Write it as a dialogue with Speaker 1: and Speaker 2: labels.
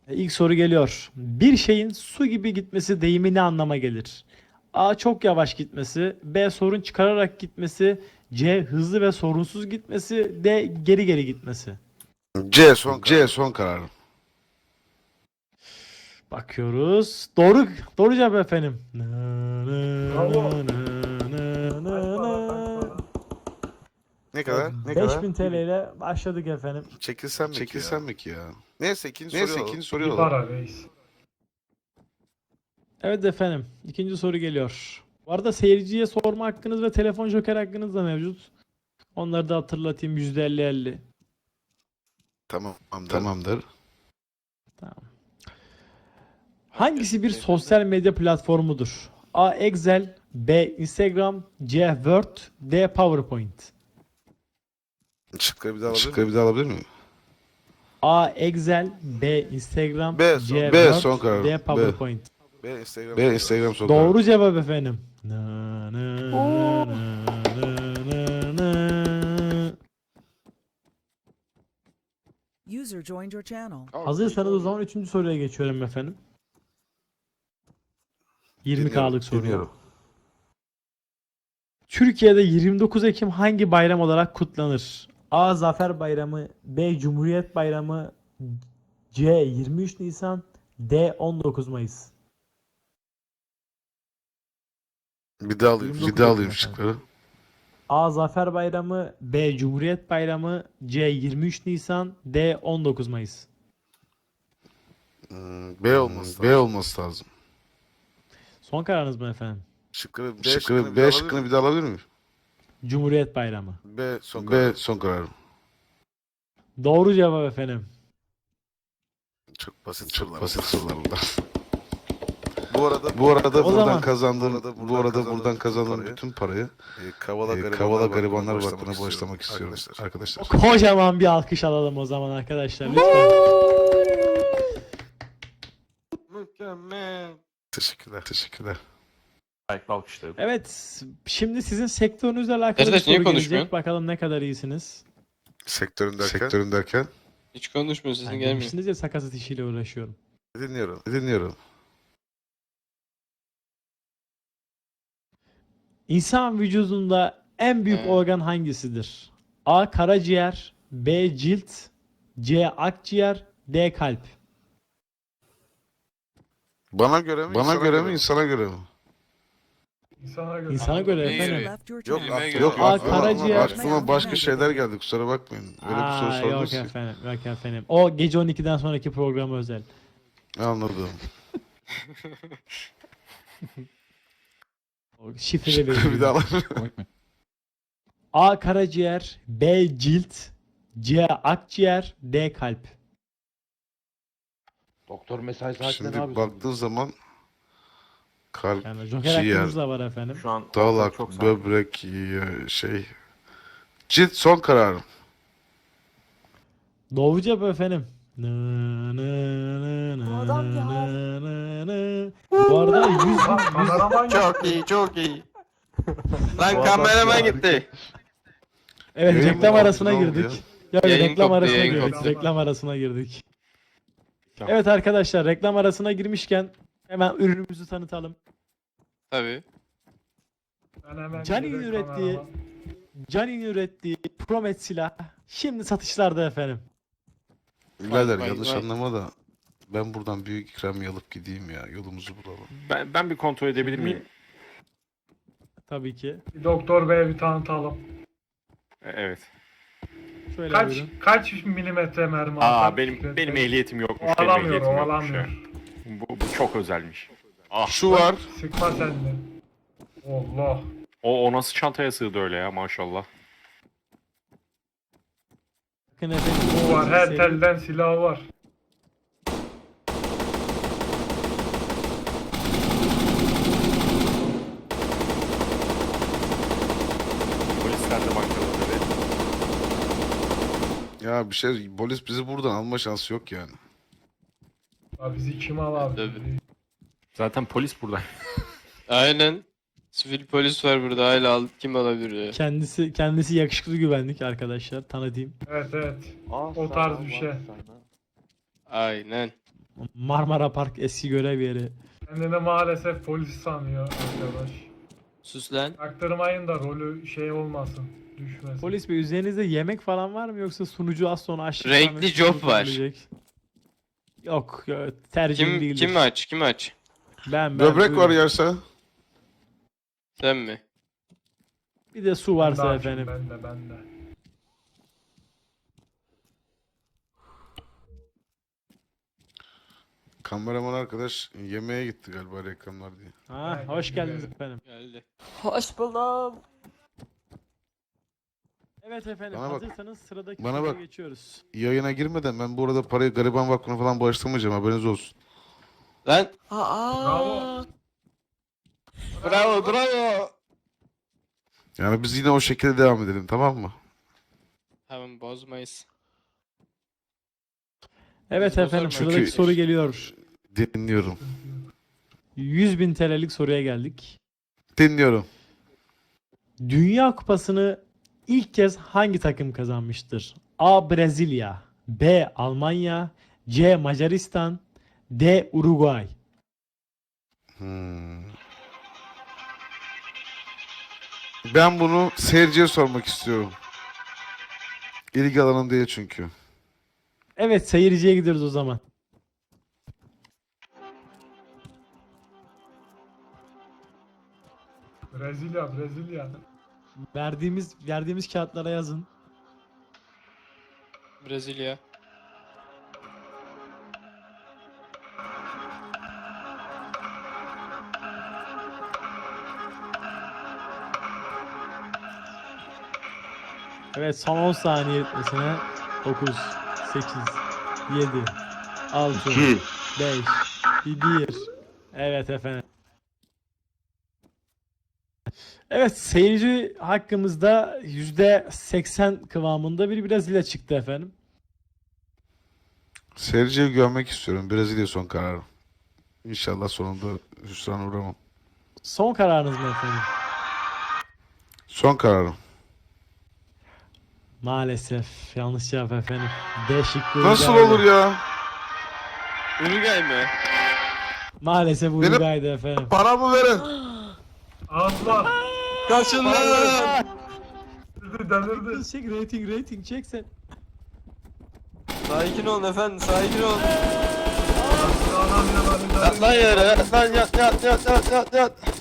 Speaker 1: İlk soru geliyor. Bir şeyin su gibi gitmesi deyimi ne anlama gelir? A. Çok yavaş gitmesi. B. Sorun çıkararak gitmesi. C. Hızlı ve sorunsuz gitmesi. D. Geri geri gitmesi.
Speaker 2: C son kararım.
Speaker 1: Bakıyoruz. Doğru cevap efendim.
Speaker 3: Bravo.
Speaker 2: Ne kadar?
Speaker 1: 5000 TL ile başladık efendim.
Speaker 2: Çekilsem mi ki ya? Neyse ikinci
Speaker 3: İyi
Speaker 2: soruyu alalım.
Speaker 3: para reis.
Speaker 1: Evet efendim. İkinci soru geliyor. Bu arada seyirciye sorma hakkınız ve telefon joker hakkınız da mevcut. Onları da hatırlatayım. %50-50.
Speaker 2: Tamamdır.
Speaker 1: Tamam. Hangisi bir sosyal medya platformudur? A. Excel, B. Instagram, C. Word, D. PowerPoint.
Speaker 2: Şıkları bir daha alabilir miyim?
Speaker 1: A. Excel, B. Instagram,
Speaker 2: B.
Speaker 1: C.
Speaker 2: B.
Speaker 1: Word,
Speaker 2: Son karar.
Speaker 1: D. PowerPoint.
Speaker 2: B. Instagram son kararım.
Speaker 1: Doğru cevap efendim.
Speaker 4: User joined your channel.
Speaker 1: Hazırsanız o zaman 3. soruya geçiyorum efendim. 20K'lık soru.
Speaker 2: Dinliyorum.
Speaker 1: Türkiye'de 29 Ekim hangi bayram olarak kutlanır? A. Zafer Bayramı, B. Cumhuriyet Bayramı, C. 23 Nisan, D. 19 Mayıs.
Speaker 2: Bir daha alayım
Speaker 1: 29 Ekim
Speaker 2: şıkları.
Speaker 1: A. Zafer Bayramı, B. Cumhuriyet Bayramı, C. 23 Nisan, D. 19 Mayıs.
Speaker 2: B olması lazım.
Speaker 1: Son kararınız mı efendim?
Speaker 2: B şıkkını bir daha alabilir miyim?
Speaker 1: Cumhuriyet Bayramı.
Speaker 2: B son kararım.
Speaker 1: Doğru cevap efendim.
Speaker 2: Çok basit sorular bunlar. Bu arada
Speaker 1: O zaman-
Speaker 2: buradan kazandığım bütün parayı Kavala Garibanlar Vakfı'na bağışlamak istiyorum arkadaşlar.
Speaker 1: Kocaman bir alkış alalım o zaman arkadaşlar lütfen.
Speaker 5: Mükemmel.
Speaker 2: Teşekkürler.
Speaker 5: Ayakla alkışlayalım.
Speaker 1: Evet, şimdi sizin sektörünüzle alakalı bir
Speaker 6: Arkadaş, niye
Speaker 1: soru
Speaker 6: konuşmuyorsun?
Speaker 1: gelecek. Bakalım ne kadar iyisiniz.
Speaker 2: Sektörün derken
Speaker 6: Hiç konuşmuyor, sesin
Speaker 1: Yani
Speaker 6: gelmiyor.
Speaker 1: demiştiniz ya sakatat işiyle uğraşıyorum.
Speaker 2: dinliyorum.
Speaker 1: İnsan vücudunda en büyük
Speaker 6: Evet.
Speaker 1: organ hangisidir? A. Karaciğer, B. Cilt, C. Akciğer, D. Kalp.
Speaker 2: Bana göre mi insana göre mi?
Speaker 3: İnsana göre.
Speaker 1: İnsana göre
Speaker 6: Neye
Speaker 1: efendim.
Speaker 6: göre?
Speaker 4: Left your
Speaker 2: Yok
Speaker 4: channel.
Speaker 6: Yemeğe
Speaker 2: yok
Speaker 6: göre.
Speaker 1: Aa,
Speaker 2: aklıma
Speaker 1: karaciğer.
Speaker 2: aklıma başka şeyler geldi kusura bakmayın. Öyle bir soru
Speaker 1: Yok
Speaker 2: sordunuz ki.
Speaker 1: efendim, yok efendim. O gece 12'den sonraki programı özel.
Speaker 2: Anladım.
Speaker 1: O şifreli veriyorum.
Speaker 2: bir daha alabilir miyim?
Speaker 1: A. Karaciğer, B. Cilt, C. Akciğer, D. Kalp.
Speaker 7: Doktor mesai saatinde ne
Speaker 2: Şimdi
Speaker 7: yapıyorsun?
Speaker 2: baktığın zaman kalp,
Speaker 1: Yani Joker
Speaker 2: ciğer,
Speaker 1: hakkınız da var efendim.
Speaker 5: Şu an
Speaker 2: dalak,
Speaker 5: çok sakin.
Speaker 2: böbrek, cilt son kararım.
Speaker 1: Doğru cevap efendim.
Speaker 4: Adam ya.
Speaker 1: Bu arada 100
Speaker 3: Kameraman
Speaker 6: Çok iyi, çok iyi. Lan kameraman gitti.
Speaker 1: Evet
Speaker 2: Yayın
Speaker 1: reklam
Speaker 2: mı
Speaker 1: arasına
Speaker 2: oldu, ne oldu
Speaker 1: girdik. Yok
Speaker 6: Yayın
Speaker 1: reklam
Speaker 6: koptu,
Speaker 1: arasına
Speaker 6: yayın
Speaker 1: girdik.
Speaker 3: koptu.
Speaker 1: Reklam arasına girdik.
Speaker 5: Tamam.
Speaker 1: Evet arkadaşlar reklam arasına girmişken hemen ürünümüzü tanıtalım.
Speaker 6: Tabii.
Speaker 1: Canin'in ürettiği Promet silah şimdi satışlarda efendim.
Speaker 2: Birader
Speaker 6: vay,
Speaker 2: yanlış
Speaker 6: vay.
Speaker 2: anlama da ben buradan büyük ikramiye alıp gideyim ya. Yolumuzu bulalım.
Speaker 5: Ben bir kontrol edebilir miyim?
Speaker 1: Tabii ki.
Speaker 3: Bir doktor beye bir tanıtalım.
Speaker 5: Evet.
Speaker 1: Şöyle
Speaker 3: Kaç
Speaker 1: buyurun.
Speaker 3: kaç milimetre mermi atar?
Speaker 5: Benim ehliyetim yokmuş. Benim
Speaker 3: Ovalamıyor,
Speaker 5: ehliyetim yokmuş
Speaker 3: ovalamıyor.
Speaker 5: ya. Bu çok özelmiş. Ah,
Speaker 2: Şu var.
Speaker 3: Sıkma sen de. Allah.
Speaker 5: o nasıl çantaya sığdı öyle ya maşallah.
Speaker 1: Bakın efendim.
Speaker 3: Bu var. Her
Speaker 1: seri-
Speaker 3: telden silahı var.
Speaker 5: Polisler de bankada tabii.
Speaker 2: Ya polis bizi buradan alma şansı yok yani.
Speaker 3: Ya bizi kim al abi?
Speaker 6: Tabii.
Speaker 5: Zaten polis burada.
Speaker 6: Aynen. Sivil polis var burada, hala kim alabilir ya?
Speaker 1: Kendisi yakışıklı güvenlik arkadaşlar tanıtayım.
Speaker 3: Evet.
Speaker 7: Aa,
Speaker 3: O tarz bir şey.
Speaker 6: Aynen.
Speaker 1: Marmara Park eski görev yeri.
Speaker 3: Kendini maalesef polis sanıyor arkadaş.
Speaker 6: Sus lan.
Speaker 3: Aktırmayın da rolü şey olmasın. Düşmesin.
Speaker 1: Polis bey üzerinizde yemek falan var mı yoksa sunucu az sonra açlıktan
Speaker 6: Renkli
Speaker 1: ve
Speaker 6: job
Speaker 1: susuzluk
Speaker 6: var.
Speaker 1: ölecek? Yok, tercihim
Speaker 6: Kim
Speaker 1: değildir.
Speaker 6: kim aç? Kim aç?
Speaker 1: Ben
Speaker 2: Böbrek var
Speaker 1: buyurun.
Speaker 2: yerse.
Speaker 6: Sen mi?
Speaker 1: Bir de su
Speaker 3: Ben de
Speaker 1: varsa
Speaker 3: açım,
Speaker 1: efendim.
Speaker 3: Ben de.
Speaker 2: Kameraman arkadaş yemeğe gitti galiba reklamlar diye.
Speaker 1: Ha,
Speaker 3: Ben
Speaker 1: hoş geldiniz
Speaker 3: geldim.
Speaker 1: efendim.
Speaker 6: Geldi.
Speaker 7: Hoş buldum.
Speaker 1: Evet efendim,
Speaker 2: Bana bak.
Speaker 1: hazırsanız sıradaki
Speaker 2: Bana
Speaker 1: soruya
Speaker 2: bak.
Speaker 1: geçiyoruz.
Speaker 2: Yayına girmeden ben bu arada parayı gariban vakfına falan bağışlamayacağım, haberiniz olsun.
Speaker 6: Lan.
Speaker 3: Bravo.
Speaker 6: Bravo.
Speaker 2: Yani biz yine o şekilde devam edelim, tamam mı?
Speaker 6: Tamam bozmayız.
Speaker 1: Evet
Speaker 6: Biz
Speaker 1: efendim,
Speaker 6: bozarım
Speaker 1: sıradaki
Speaker 2: çünkü-
Speaker 1: soru geliyor.
Speaker 2: Dinliyorum.
Speaker 1: 100.000 TL'lik soruya geldik.
Speaker 2: Dinliyorum.
Speaker 1: Dünya Kupası'nı ilk kez hangi takım kazanmıştır? A. Brezilya, B. Almanya, C. Macaristan, D. Uruguay.
Speaker 2: Ben bunu seyirciye sormak istiyorum. İlgi alanım değil çünkü.
Speaker 1: Evet, seyirciye gidiyoruz o zaman.
Speaker 3: Brezilya.
Speaker 1: Verdiğimiz kağıtlara yazın.
Speaker 6: Brezilya.
Speaker 1: Evet, son 10 saniye etmesine 9, 8, 7, 6, 5, 1. Evet efendim. Evet, seyirci hakkımızda %80 kıvamında bir Brezilya çıktı efendim.
Speaker 2: Seyirciye güvenmek istiyorum. Brezilya son kararım. İnşallah sonunda hüsrana uğramam.
Speaker 1: Son kararınız mı efendim?
Speaker 2: Son kararım.
Speaker 1: Maalesef yanlış cevap efendim. D şıkkı
Speaker 2: Nasıl
Speaker 1: Uruguay'dı.
Speaker 2: olur ya?
Speaker 6: Uruguay mı?
Speaker 1: Maalesef
Speaker 2: Benim-
Speaker 1: Uruguay'dı efendim.
Speaker 2: Paramı verin.
Speaker 3: Allah.
Speaker 6: Kaçın lan.
Speaker 3: Delirdi.
Speaker 1: Çek rating çek sen.
Speaker 6: Sakin olun efendim, sakin olun.
Speaker 3: Adam yine beni delirdi.
Speaker 6: Yat lan yere, yat lan yat.